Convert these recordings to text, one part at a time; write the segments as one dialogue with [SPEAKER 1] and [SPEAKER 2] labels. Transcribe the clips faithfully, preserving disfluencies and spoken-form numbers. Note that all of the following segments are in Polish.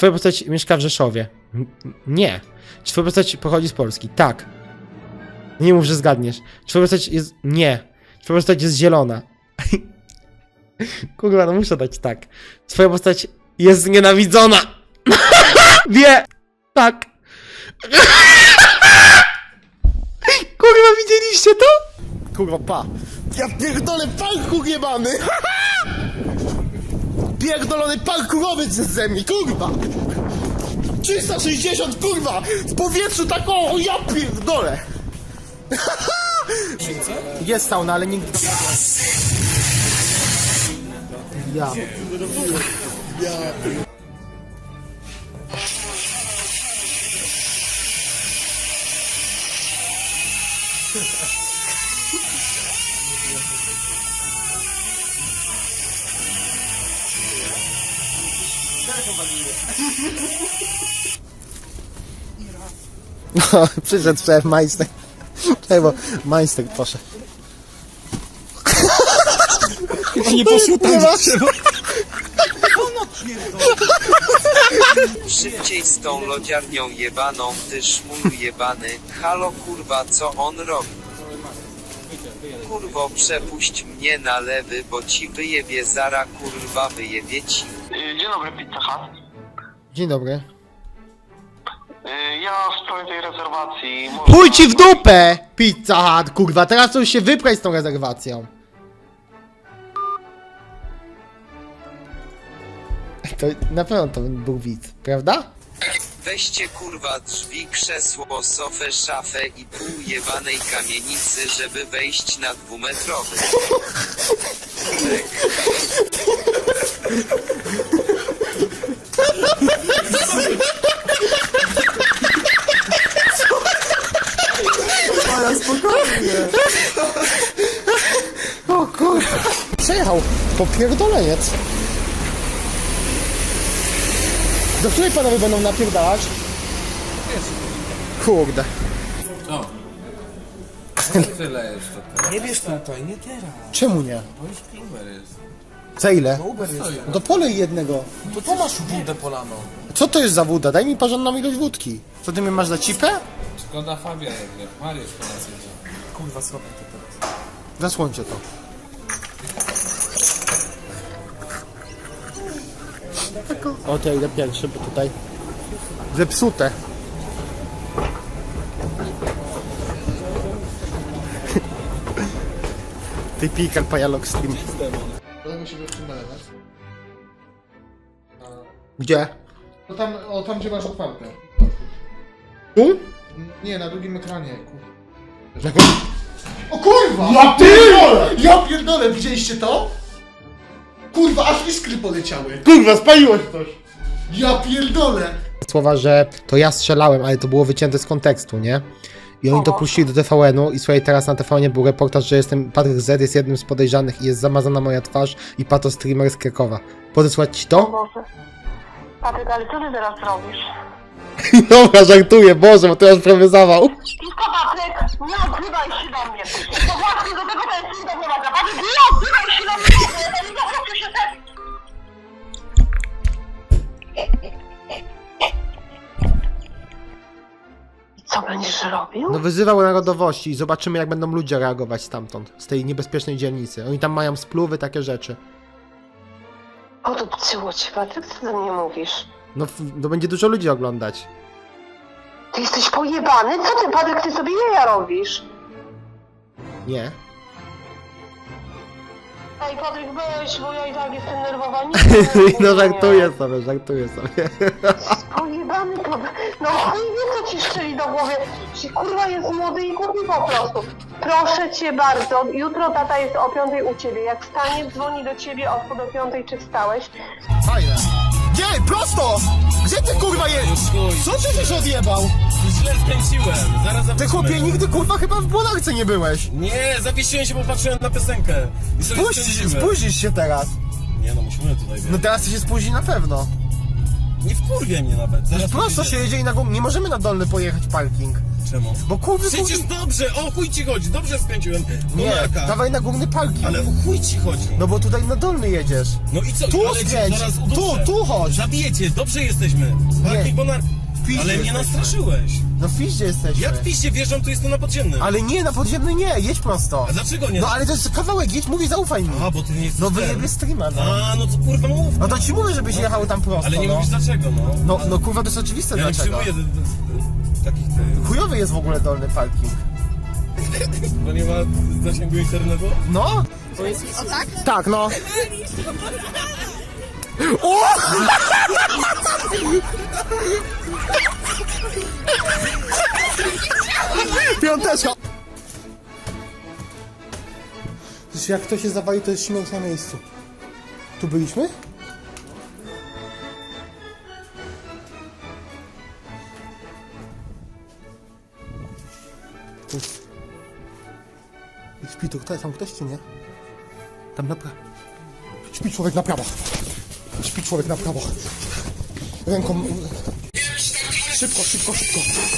[SPEAKER 1] twoja postać mieszka w Rzeszowie? Nie. Czy twoja postać pochodzi z Polski? Tak. Nie mów, że zgadniesz. Czy twoja postać jest... Nie. Czy twoja postać jest zielona? Kurwa, no muszę dać tak. Twoja postać jest znienawidzona! Wie! Tak. Kurwa, widzieliście to?
[SPEAKER 2] Kurwa, pa. Ja pierdolę parkour jebany! Pierdolony parkurowiec jest ze mnie, kurwa! trzysta sześćdziesiąt, kurwa! W powietrzu tak o, ja pierdolę! Jest sauna, ale nigdy... Ja... No, przyszedł szef majster. Czekaj, bo majster poszedł.
[SPEAKER 3] Nie poszło tam, trzeba.
[SPEAKER 4] Szybciej z tą lodziarnią jebaną, ty szmulu jebany. Halo kurwa, co on robi? Kurwo, przepuść mnie na lewy, bo ci wyjebie zara, kurwa, wyjebie ci.
[SPEAKER 5] Dzień dobry, Pizza Hut.
[SPEAKER 1] Dzień dobry.
[SPEAKER 5] Ja w sprawie tej rezerwacji...
[SPEAKER 1] Pójdź ci w dupę! Pizza Hut, kurwa, teraz to już się wyprać z tą rezerwacją. To na pewno to był widz, prawda?
[SPEAKER 4] Weźcie kurwa drzwi, krzesło, sofę, szafę i pół jebanej kamienicy, żeby wejść na dwumetrowy.
[SPEAKER 2] Ale spokojnie!
[SPEAKER 1] O kurwa. Przejechał popierdoleniec. Do której panowie będą napierdalać? Kurde.
[SPEAKER 3] O. Tyle jest to.
[SPEAKER 2] Nie bierz tutaj, nie teraz.
[SPEAKER 1] Czemu nie?
[SPEAKER 3] Bo już Uber jest.
[SPEAKER 1] Za ile?
[SPEAKER 2] Uber jest.
[SPEAKER 1] No to polej jednego.
[SPEAKER 2] To co masz wódę polaną?
[SPEAKER 1] Co to jest za woda? Daj mi porządną ilość wódki. Co ty mnie masz za cipę?
[SPEAKER 3] Szkoda Fabia jednak. Mariusz po nas jedzie.
[SPEAKER 2] Kurwa, słabo to teraz.
[SPEAKER 1] Zasłońcie to. O, to ja idę pierwszy, bo tutaj zepsute. Ty pikar pajalok stream.
[SPEAKER 6] Dlatego się w tym nalewać.
[SPEAKER 1] Gdzie?
[SPEAKER 6] No tam, o tam gdzie masz otwarte.
[SPEAKER 1] Tu?
[SPEAKER 6] Nie, na drugim ekranie. kur-
[SPEAKER 1] Jaką?
[SPEAKER 6] O kurwa!
[SPEAKER 1] Ja pierdolę!
[SPEAKER 6] Ja pierdolę, widzieliście to? Kurwa, aż iskry poleciały.
[SPEAKER 1] Kurwa, spaliłeś coś!
[SPEAKER 6] Ja pierdolę!
[SPEAKER 1] Słowa, że to ja strzelałem, ale to było wycięte z kontekstu, nie? I oni to puścili do T V N-u i słuchaj, teraz na T V N-ie był reportaż, że jestem, Patryk Z jest jednym z podejrzanych i jest zamazana moja twarz i Pato streamer z Krakowa. Podesłać ci to?
[SPEAKER 7] Boże. Patryk, ale co ty teraz robisz?
[SPEAKER 1] Dobra, żartuję, Boże, bo to już prawie zawał.
[SPEAKER 7] Pisko, Patryk, nie odzywaj się do mnie. To właśnie do tego ten syn doprowadza. Patryk, nie odzywaj się do mnie. Ja nie po prostu się też... I co będziesz robił?
[SPEAKER 1] No wyzywał narodowości i zobaczymy, jak będą ludzie reagować stamtąd, z tej niebezpiecznej dzielnicy. Oni tam mają spluwy, takie rzeczy.
[SPEAKER 7] O, to pcyło ci, Patryk, co ty do mnie mówisz?
[SPEAKER 1] No, f- no będzie dużo ludzi oglądać.
[SPEAKER 7] Ty jesteś pojebany? Co ty, Patryk, ty sobie jaja robisz?
[SPEAKER 1] Nie?
[SPEAKER 7] Ej, Patryk, weź, bo ja i tak jestem nerwowa. Nie,
[SPEAKER 1] No żartuję sobie, żartuję sobie.
[SPEAKER 7] Pojebany to... No chuj wie, co ci strzeli do głowy. Ci kurwa jest młody i głupi po prostu. Proszę cię bardzo, jutro tata jest o piątej u ciebie. Jak wstanie, dzwoni do ciebie od do piątej, czy wstałeś.
[SPEAKER 2] Fajne. Nie, prosto! Gdzie ty kurwa jest? Co ty się odjebał?
[SPEAKER 3] Źle skręciłem. Zaraz
[SPEAKER 2] Ty
[SPEAKER 3] zawiesiłem.
[SPEAKER 2] chłopie nigdy kurwa chyba w Błonarce nie byłeś.
[SPEAKER 3] Nie, zawiesiłem się, bo patrzyłem na piosenkę. I sobie
[SPEAKER 2] Spóźnisz,
[SPEAKER 3] skręciłem.
[SPEAKER 2] spóźnisz się teraz.
[SPEAKER 3] Nie no, musimy tutaj
[SPEAKER 2] No
[SPEAKER 3] być.
[SPEAKER 2] teraz ty się spóźni na pewno.
[SPEAKER 3] Nie wkurwie mnie nawet. Zaraz
[SPEAKER 2] Prosto się
[SPEAKER 3] pojedziemy.
[SPEAKER 2] jedzie i na górę. Nie możemy na dolny pojechać parking.
[SPEAKER 3] Czemu?
[SPEAKER 1] Bo kurwy,
[SPEAKER 3] Przecież
[SPEAKER 1] kurwy...
[SPEAKER 3] dobrze, o chuj ci chodzi, dobrze skręciłem.
[SPEAKER 1] Nie,
[SPEAKER 3] Monarka.
[SPEAKER 1] dawaj na górny parking.
[SPEAKER 3] Ale o chuj ci chodzi.
[SPEAKER 1] No bo tutaj na dolny jedziesz.
[SPEAKER 3] No i co?
[SPEAKER 1] Tu
[SPEAKER 3] ale cię
[SPEAKER 1] skręć,
[SPEAKER 3] zaraz
[SPEAKER 1] tu,
[SPEAKER 3] uduszę.
[SPEAKER 1] tu chodź.
[SPEAKER 3] Zabijecie, dobrze jesteśmy. Parking Monarka.
[SPEAKER 1] piździe
[SPEAKER 3] Ale mnie
[SPEAKER 1] jesteśmy.
[SPEAKER 3] nastraszyłeś.
[SPEAKER 1] No w piździe jesteśmy.
[SPEAKER 3] Jak piście wjeżdżam, tu jestem na podziemnym.
[SPEAKER 1] Ale nie, na podziemny nie, jedź prosto.
[SPEAKER 3] A dlaczego nie?
[SPEAKER 1] No ale to jest kawałek, jedź, mówię, zaufaj mi.
[SPEAKER 3] A, bo ty nie jesteś
[SPEAKER 1] No
[SPEAKER 3] ten.
[SPEAKER 1] wyjebie streama, no.
[SPEAKER 3] A, no to kurwa mów.
[SPEAKER 1] No to ci mówię, żebyś jechał tam prosto,
[SPEAKER 3] Ale nie
[SPEAKER 1] no.
[SPEAKER 3] mówisz dlaczego, no.
[SPEAKER 1] No, no kurwa, to jest oczywiste
[SPEAKER 3] Ja nie
[SPEAKER 1] dlaczego.
[SPEAKER 3] przyjmuję d- d- takich ty.
[SPEAKER 1] Chujowy jest w ogóle dolny parking.
[SPEAKER 3] Bo nie ma zasięgu internetu?
[SPEAKER 1] No?
[SPEAKER 8] O tak?
[SPEAKER 1] Tak, no. O! Piąteczka! Przecież jak ktoś się zawali, to jest śmierć na miejscu. Tu byliśmy? Tu. I śpi tu ktoś, tam ktoś czy nie? Tam na prawo. Śpi człowiek na prawo. Śpi człowiek na prawo. Ręką... Szybko, szybko, szybko.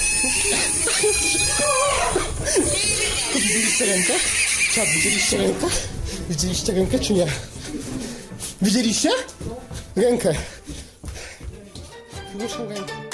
[SPEAKER 1] Widzieliście rękę? Czad, widzieliście rękę? Widzieliście rękę czy nie? Widzieliście? Rękę. Ruszę rękę.